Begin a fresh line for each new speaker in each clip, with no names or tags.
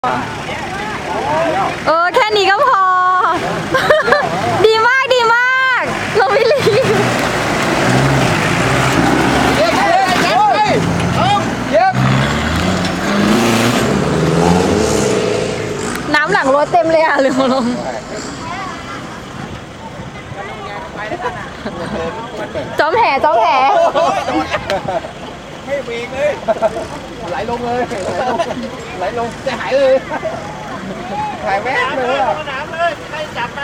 แค่นี้ก็พอ ดีมากดีมากเราไม่รีบน้ำหลังรถเต็มเลยอ่ะลืมลงจอมแห่
ไม่เบรกเลยไหลลงเลยไหลลงจะหายเลยหายแม่เลยอ่ะน้ำเลยใครจับไหม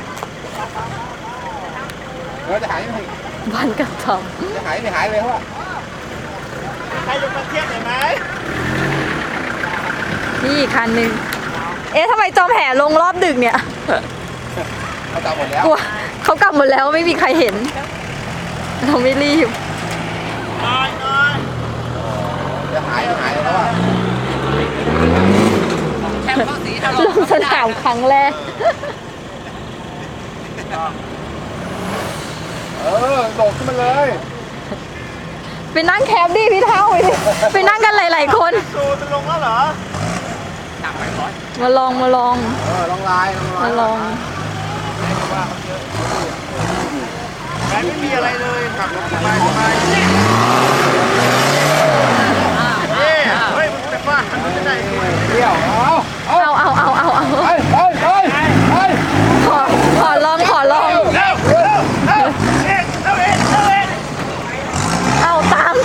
เราจะหายไหม
บ้านกับทอม
จะหายไม่หายเลยเพราะว่าใครยกมาเทียบหน่อยไหม
นี่อีกคันหนึ่งทำไมจอมแห่ลงรอบดึกเนี่ย
เขากลับหมดแล้ว
เขากลับหมดแล้วไม่มีใครเห็นเราไม่รีบ
จะหายแล้วอ่ะ
ลงสนามครั้งแรก
โดดขึ้นมาเลย
ไปนั่งแคปดิพี่เท่าไปนั่งกันหลายๆคน
สูจะลงแล้วเหรอ
มาลอง
ลองลายไม่มีอะไรเลยขับรถสบายเฮ้ยมันเป็นว่ามันจะได้เที่ยว
ขอลองเอาตาม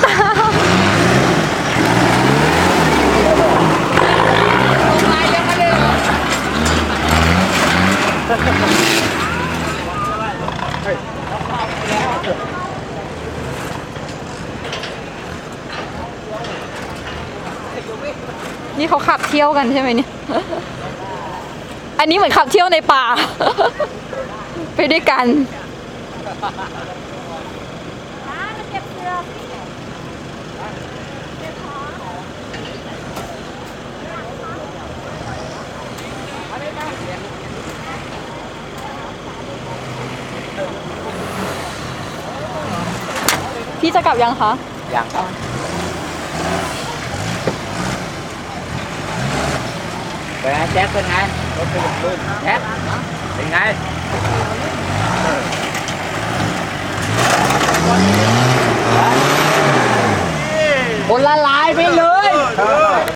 นี่เขาขับเที่ยวกันใช่ไหมเนี่ย อันนี้เหมือนขับเที่ยวในป่า ไปด้วยกันพี่จะกลับยังคะ
ยังครับเป็นไงแจ๊คเป็นไงรถเป็นลื่นแจ๊คเป็นไงคนละลายไปเลย